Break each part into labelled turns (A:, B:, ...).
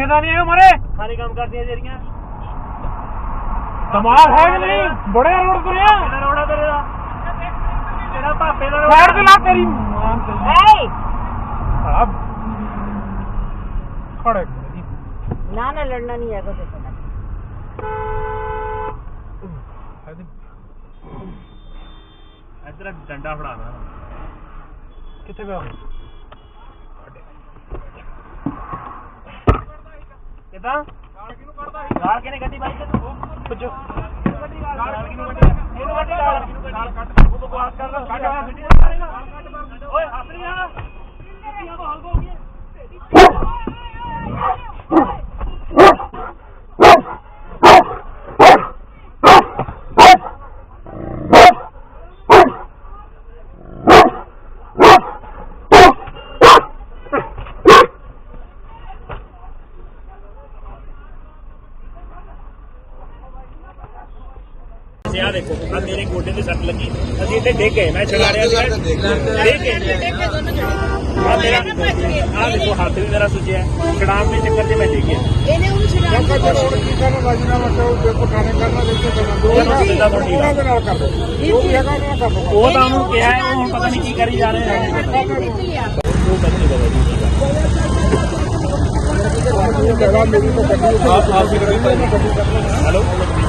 A: देखना नहीं है हमारे
B: सारे काम करती है जेरियां
A: कमाल है कि नहीं बड़े रोड पर है
B: रोड़ा तेरा पापे का
A: साइड पे ला तेरी अब खड़े
C: ना लड़ना नहीं है कुछ
B: इधर डंडा फड़ाना
A: कितने पे
B: कितना गाल के नहीं गड्डी बाइक कुछ गाल किनु गड्डी गाल कट वो बकवास कर रहा कट ओए अपनी आ कितनी तो हल्का हो गया आ देखो अब मेरे गोडे पे सट लगी असि इतने देख गए मैं चला रहा था देख के मेरा आ देखो हाथ भी मेरा सुझिया है शराब के चक्कर से मैं देख गया
C: ਇਹਨੇ ਉਹਨੂੰ ਛੁਡਾ
B: ਉਹ ਤਾਂ ਉਹਨੂੰ ਕਿਹਾ ਹੈ ਉਹ ਹੁਣ ਪਤਾ ਨਹੀਂ ਕੀ ਕਰੀ ਜਾ ਰਹੇ ਹੈ ਉਹ ਪਤਾ ਨਹੀਂ हेलो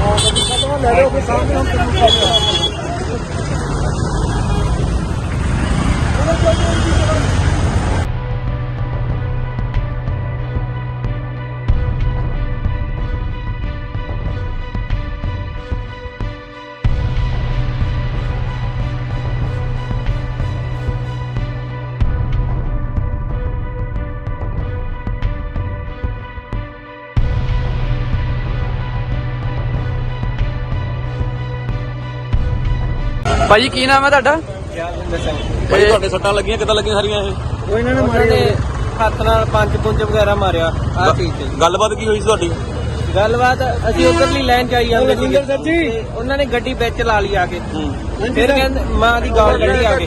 D: ਭਾਜੀ ਕੀ ਨਾਮ ਹੈ ਤੁਹਾਡਾ?
E: ਭਾਈ ਤੁਹਾਡੇ ਸੱਟਾਂ ਲੱਗੀਆਂ ਕਿੱਦਾਂ ਲੱਗੀਆਂ ਸਾਰੀਆਂ ਇਹ?
D: ਉਹ ਇਹਨਾਂ ਨੇ ਮਾਰੇ ਹੱਥ ਨਾਲ ਪੰਜ ਵਗੈਰਾ ਮਾਰਿਆ ਆ ਚੀਜ਼ ਤੇ।
E: ਗੱਲਬਾਤ ਕੀ ਹੋਈ ਸੀ ਤੁਹਾਡੀ?
D: ਗੱਲਬਾਤ ਅਸੀਂ ਉਧਰਲੀ ਲਾਈਨ ਚ ਆਈ ਜਾਂਦੇ ਸੀ ਉਹਨਾਂ ਨੇ ਗੱਡੀ ਵਿੱਚ ਲਾ ਲਈ ਆ ਕੇ ਫਿਰ ਕਹਿੰਦੇ ਮਾਂ ਦੀ ਗਾਲ ਕੱਢੀ ਆ ਕੇ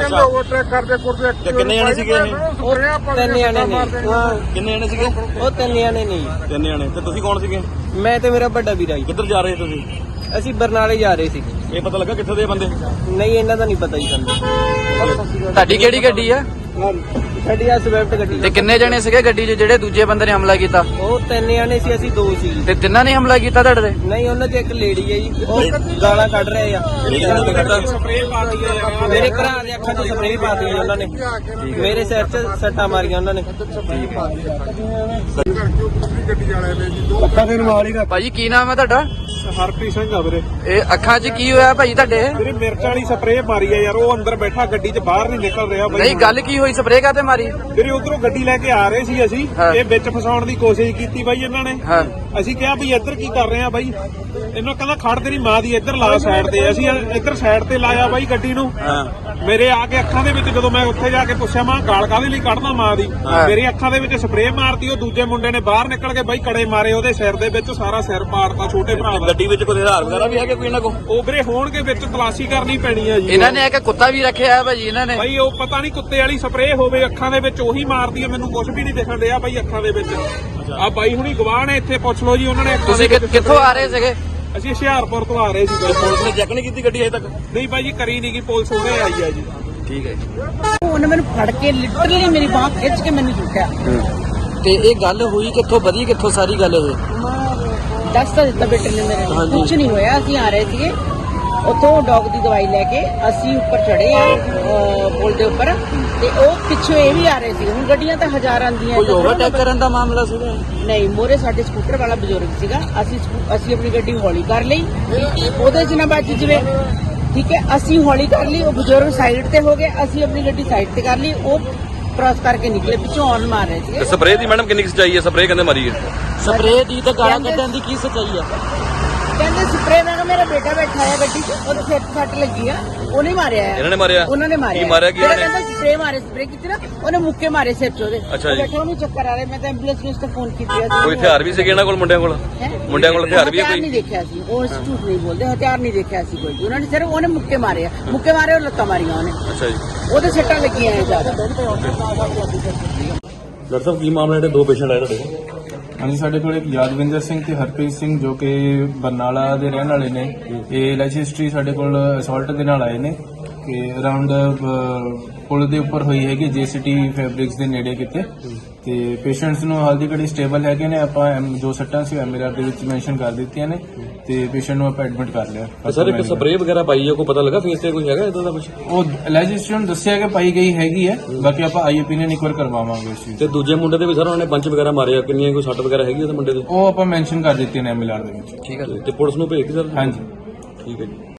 E: ਤੇ ਕਿੰਨੇ ਜਣੇ ਸੀਗੇ ਇਹ?
D: ਉਹ ਤਿੰਨ ਜਣੇ ਨੇ
E: ਕਿੰਨੇ ਜਣੇ ਸੀਗੇ?
D: ਉਹ ਤਿੰਨ ਜਣੇ ਨਹੀਂ
E: ਤਿੰਨ ਜਣੇ। ਤੇ ਤੁਸੀਂ ਕੌਣ ਸੀਗੇ?
D: ਮੈਂ ਤੇ ਮੇਰਾ ਵੱਡਾ ਵੀਰਾ ਜੀ।
E: ਕਿੱਧਰ ਜਾ ਰਹੇ ਤੁਸੀਂ?
D: ਅਸੀਂ ਬਰਨਾਲੇ ਜਾ ਰਹੇ ਸੀ।
E: ਇਹ ਪਤਾ ਲੱਗਾ ਕਿੱਥੇ ਦੇ ਬੰਦੇ?
D: ਨਹੀਂ ਇਹਨਾਂ ਦਾ ਨਹੀਂ ਪਤਾ ਜੀ ਸਾਨੂੰ।
F: ਤੁਹਾਡੀ ਕਿਹੜੀ ਗੱਡੀ ਆ?
D: ਸਾਡੀ ਆ ਸਵਿਫਟ ਗੱਡੀ।
F: ਤੇ ਕਿੰਨੇ ਜਣੇ ਸੀਗੇ ਗੱਡੀ 'ਚ ਜਿਹੜੇ ਦੂਜੇ ਬੰਦੇ ਨੇ ਹਮਲਾ ਕੀਤਾ?
D: ਉਹ ਤਿੰਨ ਜਣੇ ਸੀ ਅਸੀਂ ਦੋ ਸੀ।
F: ਤੇ ਤਿੰਨਾਂ ਨੇ ਹਮਲਾ ਕੀਤਾ ਤੁਹਾਡੇ ਤੇ?
D: ਨਹੀਂ ਉਹਨਾਂ 'ਚ ਇੱਕ ਲੇਡੀ ਹੈ ਜੀ ਉਹ ਗਾਲਾਂ ਕੱਢ ਰਹੇ ਆ। ਮੇਰੇ ਭਰਾ ਦੇ ਅੱਖਾਂ 'ਚ ਸਪਰੇਅ ਪਾਤੀ ਜੀ ਉਹਨਾਂ ਨੇ। ਮੇਰੇ ਸਿਰ 'ਚ ਸੱਟਾਂ ਮਾਰੀਆਂ ਉਹਨਾਂ ਨੇ।
F: ਭਾਜੀ ਕੀ ਨਾਮ ਹੈ ਤੁਹਾਡਾ?
A: ਹਰਪ੍ਰੀਤ ਸਿੰਘ ਆ ਵੀਰੇ
F: ਇਹ ਅੱਖਾਂ 'ਚ ਕੀ ਹੋਇਆ ਭਾਜੀ ਤੁਹਾਡੇ?
A: ਵੀਰੇ ਮਿਰਚ ਵਾਲੀ ਸਪਰੇਅ ਮਾਰੀ ਆ ਯਾਰ ਉਹ ਅੰਦਰ ਬੈਠਾ ਗੱਡੀ 'ਚ ਬਾਹਰ ਨਹੀਂ ਨਿਕਲ ਰਿਹਾ ਬਾਈ।
F: ਨਹੀਂ ਗੱਲ ਕੀ ਹੋਈ ਸਪਰੇਅ ਕਾਤੇ ਮਾਰੀ?
A: ਵੀਰੇ ਉਧਰੋਂ ਗੱਡੀ ਲੈ ਕੇ ਆ ਰਹੇ ਸੀ ਅਸੀਂ ਇਹ ਵਿੱਚ ਫਸਾਉਣ ਦੀ ਕੋਸ਼ਿਸ਼ ਕੀਤੀ ਬਾਈ ਇਹਨਾਂ ਨੇ।
F: ਹਾਂ
A: ਅਸੀਂ ਕਿਹਾ ਵੀ ਇੱਧਰ ਕੀ ਕਰ ਰਹੇ ਆ ਬਾਈ ਇਹਨਾਂ ਕਹਿੰਦਾ ਖੜ ਤੇਰੀ ਮਾਂ ਦੀ ਇੱਧਰ ਲਾ ਸਾਈਡ ਤੇ। ਅਸੀਂ ਇੱਧਰ ਸਾਈਡ ਤੇ ਲਾਇਆ ਬਾਈ ਗੱਡੀ ਨੂੰ। ਮੇਰੇ ਆ ਕੇ ਅੱਖਾਂ ਦੇ ਵਿੱਚ ਜਦੋਂ ਮੈਂ ਉੱਥੇ ਜਾ ਕੇ ਪੁੱਛਿਆ ਮਾਂ ਗਾਲ ਕਾਹਦੇ ਲਈ ਕੱਢਦਾ ਮਾਂ ਦੀ ਮੇਰੀ ਅੱਖਾਂ ਦੇ ਵਿੱਚ ਸਪਰੇਅ ਮਾਰਤੀ। ਉਹ ਦੂਜੇ ਮੁੰਡੇ ਨੇ ਬਾਹਰ ਨਿਕਲ ਕੇ ਬਾਈ ਕੜੇ ਮਾਰੇ ਉਹਦੇ ਸਿਰ ਦੇ ਵਿੱਚ ਸਾਰਾ ਸਿਰ ਪਾੜਤਾ ਛੋਟੇ ਭਰਾ ਦਾ।
E: ਗੱਡੀ ਵਿੱਚ ਕੋਈ ਹਥਿਆਰ ਵਗੈਰਾ ਵੀ ਹੈਗੇ ਕੋਈ ਇਹਨਾਂ ਕੋਲ?
A: ਉਹ ਵੀਰੇ ਹੋਣਗੇ ਵਿੱਚ ਤਲਾਸ਼ੀ ਕਰਨੀ ਪੈਣੀ ਆ ਜੀ।
F: ਇਹਨਾਂ ਨੇ ਇੱਕ ਕੁੱਤਾ ਵੀ ਰੱਖਿਆ ਹੈ ਭਾਜੀ ਇਹਨਾਂ ਨੇ।
A: ਬਾਈ ਉਹ ਪਤਾ ਨਹੀਂ ਕੁੱਤੇ ਵਾਲੀ ਸਪਰੇਅ ਹੋਵੇ ਅੱਖਾਂ ਦੇ ਵਿੱਚ ਉਹੀ ਮਾਰਦੀ ਆ। ਮੈਨੂੰ ਕੁਝ ਵੀ ਨਹੀਂ ਦਿਖਣ ਰਿਹਾ ਬਾਈ ਅੱਖਾਂ ਦੇ ਵਿੱਚ। ਆ ਬਾਈ ਹੁਣੀ ਗਵਾਹ ਨੇ ਇੱਥੇ ਪੁੱਛ ਲਓ ਜੀ ਉਹਨਾਂ ਨੇ।
F: ਤੁਸੀਂ ਕਿੱਥੋਂ ਆ ਰਹੇ ਸੀਗੇ?
A: ਅਸੀਂ ਹੁਸ਼ਿਆਰਪੁਰ ਤੋਂ ਆ ਰਹੇ ਸੀ ਬਾਈ।
E: ਪੁਲਿਸ ਨੇ ਚੈੱਕ ਨਹੀਂ ਕੀਤੀ ਗੱਡੀ ਅਜੇ ਤੱਕ?
A: ਨਹੀਂ ਬਾਈ ਜੀ ਕਰੀ ਨਹੀਂ ਗਈ ਪੁਲਿਸ ਹੁਣੇ ਆਈ ਆ ਜੀ।
E: ਠੀਕ ਹੈ।
C: ਉਹਨੇ ਮੈਨੂੰ ਫੜ ਕੇ ਲਿਟਰਲੀ ਮੇਰੀ ਬਾਂਹ ਖਿੱਚ ਕੇ ਮੈਨੂੰ ਚੁੱਕਿਆ।
F: ਤੇ ਇਹ ਗੱਲ ਹੋਈ ਕਿੱਥੋਂ ਵਧੀ ਕਿੱਥੋਂ ਸਾਰੀ ਗੱਲ ਇਹ?
C: ਦੱਸ ਤਾਂ ਦਿੱਤਾ ਬੇਟੇ ਨੇ ਮੇਰੇ ਨੂੰ ਕੁਝ ਨਹੀਂ ਹੋਇਆ। ਅਸੀਂ ਆ ਰਹੇ ਸੀਗੇ ਉੱਥੋਂ ਡੌਗ ਦੀ ਦਵਾਈ ਲੈ ਕੇ ਅਸੀਂ ਉੱਪਰ ਚੜੇ ਆ ਪੁਲ ਦੇ ਉੱਪਰ ਤੇ ਉਹ ਪਿੱਛੋਂ ਇਹ ਵੀ ਆ ਰਹੇ ਸੀ। ਹੁਣ ਗੱਡੀਆਂ ਤਾਂ ਹਜ਼ਾਰਾਂ ਦੀਆਂ।
F: ਕੋਈ ਓਵਰਟੇਕ ਕਰਨ ਦਾ ਮਾਮਲਾ ਸੀਗਾ?
C: ਨਹੀਂ ਮੋਰੇ ਸਾਡੇ ਸਕੂਟਰ ਵਾਲਾ ਬਜ਼ੁਰਗ ਸੀਗਾ। ਅਸੀਂ ਆਪਣੀ ਗੱਡੀ ਹੌਲੀ ਕਰ ਲਈ ਉਹਦੇ ਚ ਨਾ ਬਾਜੀ ਜਿਵੇਂ ਠੀਕ ਹੈ। ਅਸੀਂ ਹੌਲੀ ਕਰ ਲਈ ਉਹ ਬਜ਼ੁਰਗ ਸਾਈਡ ਤੇ ਹੋ ਗਏ। ਅਸੀਂ ਆਪਣੀ ਗੱਡੀ ਸਾਈਡ ਤੇ ਕਰ ਲਈ ਉਹ ਕ੍ਰਾਸ ਕਰਕੇ ਨਿਕਲੇ ਪਿੱਛੋਂ ਔਨ ਮਾਰ ਰਹੇ ਸੀ।
E: ਸਪਰੇਅ ਦੀ ਮੈਡਮ ਕਿੰਨੀ ਸੱਚਾਈ ਹੈ? ਸਪਰੇਅ ਕਹਿੰਦੇ ਮਾਰੀ ਹੈ।
F: ਸਪਰੇਅ ਦੀ ਤਾਂ ਗਾਲਾਂ ਕੱਢਣ ਦੀ ਕੀ ਸੱਚਾਈ ਆ?
C: ਕਹਿੰਦੇ ਸਪਰੇਅ ਨਾਲ ਮੇਰਾ ਬੇਟਾ ਬੈਠਾ ਹੈ ਗੱਡੀ 'ਚ ਉਹਦੇ ਸਿਰ 'ਤੇ ਸੱਟ ਲੱਗੀ ਆ। ਉਹਨੇ ਮਾਰਿਆ ਹੈ।
E: ਇਹਨਾਂ ਨੇ ਮਾਰਿਆ?
C: ਉਹਨਾਂ ਨੇ ਮਾਰਿਆ।
E: ਕੀ ਮਾਰਿਆ ਕੀ
C: ਕਹਿੰਦਾ ਸਪਰੇਅ ਸਪਰੇਅ ਕੀਤੀ ਨਾ ਉਹਨੇ ਮੁੱਕੇ ਮਾਰੇ ਸਿਰ 'ਚ ਉਹਦੇ।
E: ਅੱਛਾ ਜੀ।
C: ਬੈਠਾ ਉਹਨੂੰ ਚੱਕਰ ਆ ਰਿਹਾ। ਮੈਂ ਤਾਂ ਐਂਬੂਲੈਂਸ ਨੂੰ ਫੋਨ ਕੀਤਾ ਸੀ।
E: ਕੋਈ ਹਥਿਆਰ ਵੀ ਸੀਗੇ ਇਹਨਾਂ ਕੋਲ ਮੁੰਡਿਆਂ ਕੋਲ? ਮੁੰਡਿਆਂ ਕੋਲ ਹਥਿਆਰ ਵੀ ਹੈ
C: ਕੋਈ? ਨਹੀਂ ਦੇਖਿਆ ਸੀ ਉਹ ਝੂਠ ਨਹੀਂ ਬੋਲਦੇ। ਹਥਿਆਰ ਨਹੀਂ ਦੇਖਿਆ ਸੀ ਕੋਈ। ਉਹਨਾਂ ਨੇ ਸਿਰਫ ਉਹਨੇ ਮੁੱਕੇ ਮਾਰੇ ਆ। ਮੁੱਕੇ ਮਾਰੇ ਉਹ ਲੱਤਾਂ ਮਾਰੀਆਂ ਉਹਨੇ।
E: ਅੱਛਾ ਜੀ।
C: ਉਹਦੇ ਸੱਟਾਂ ਲੱਗੀਆਂ ਆ ਜ਼ਿਆਦਾ।
E: ਡਾਕਟਰ ਸਾਹਿਬ ਕੀ ਮਾਮਲਾ ਜਿਹੜੇ ਦੋ ਪੇਸ਼ੈਂਟ ਆਏ ਤੁਹਾਡੇ ਕੋਲ?
G: ਹਾਂਜੀ, ਸਾਡੇ ਕੋਲ ਇੱਕ ਯਾਦਵਿੰਦਰ ਸਿੰਘ ਤੇ ਹਰਪ੍ਰੀਤ ਸਿੰਘ ਜੋ ਕਿ ਬਰਨਾਲਾ ਦੇ ਰਹਿਣ ਵਾਲੇ ਨੇ। ਇਹ ਲਾਈਫ ਹਿਸਟਰੀ ਸਾਡੇ ਕੋਲ ਅਸੌਲਟ ਦੇ ਨਾਲ ਆਏ ਨੇ ਕਿ ਅਰਾਊਂਡ ਪੁਲ ਦੇ ਉੱਪਰ ਹੋਈ ਹੈਗੀ ਜੇਸੀਟੀ ਫੈਬਰਿਕਸ ਦੇ ਨੇੜੇ ਕਿਤੇ, ਤੇ ਪੇਸ਼ੈਂਟਸ ਨੂੰ ਹਾਲ ਦੀ ਘੜੀ ਸਟੇਬਲ ਹੈਗੇ ਨੇ। ਆਪਾਂ ਜੋ ਸੱਟਾਂ ਸੀ ਐਮਆਰਆਰ ਦੇ ਵਿੱਚ ਮੈਂਸ਼ਨ ਕਰ ਦਿੱਤੀਆਂ ਨੇ ਤੇ ਪੇਸ਼ੈਂਟ ਨੂੰ ਆਪਾਂ ਐਡਮਿਟ ਕਰ ਲਿਆ।
E: ਸਰ ਇੱਕ ਸਪਰੇਅ ਵਗੈਰਾ ਪਾਈ ਹੈ, ਕੋਈ ਪਤਾ ਲੱਗਾ ਫੇਸ ਤੇ ਕੋਈ ਹੈਗਾ ਇਦਾਂ ਦਾ ਕੁਝ?
G: ਉਹ ਲਾਈਫ ਹਿਸਟਰੀ ਨੂੰ ਦੱਸਿਆ ਕਿ ਪਾਈ ਗਈ ਹੈਗੀ ਹੈ, ਬਾਕੀ ਆਪਾਂ ਆਈ ਓਪੀਨੀਅਨ ਇੱਕ ਵਾਰ ਕਰਵਾਵਾਂਗੇ ਇਸ ਚੀਜ਼
E: ਤੇ ਦੂਜੇ ਮੁੰਡੇ ਦੇ ਵੀ ਸਰ ਉਹਨਾਂ ਨੇ ਪੰਚ ਵਗੈਰਾ ਮਾਰਿਆ, ਕਿੰਨੀਆਂ ਕੋਈ ਸੱਟ ਵਗੈਰਾ ਹੈਗੀ ਉਹਦੇ ਮੁੰਡੇ ਦੇ?
G: ਉਹ ਆਪਾਂ ਮੈਂਸ਼ਨ ਕਰ ਦਿੱਤੀਆਂ ਨੇ ਐਮਆਰਆਰ ਦੇ ਵਿੱਚ।
E: ਠੀਕ ਹੈ ਤੇ ਪੁਲਿਸ ਨੂੰ ਭੇਜਤੀ ਸਰ?
G: ਹਾਂਜੀ।
E: ਠੀਕ ਹੈ ਜੀ।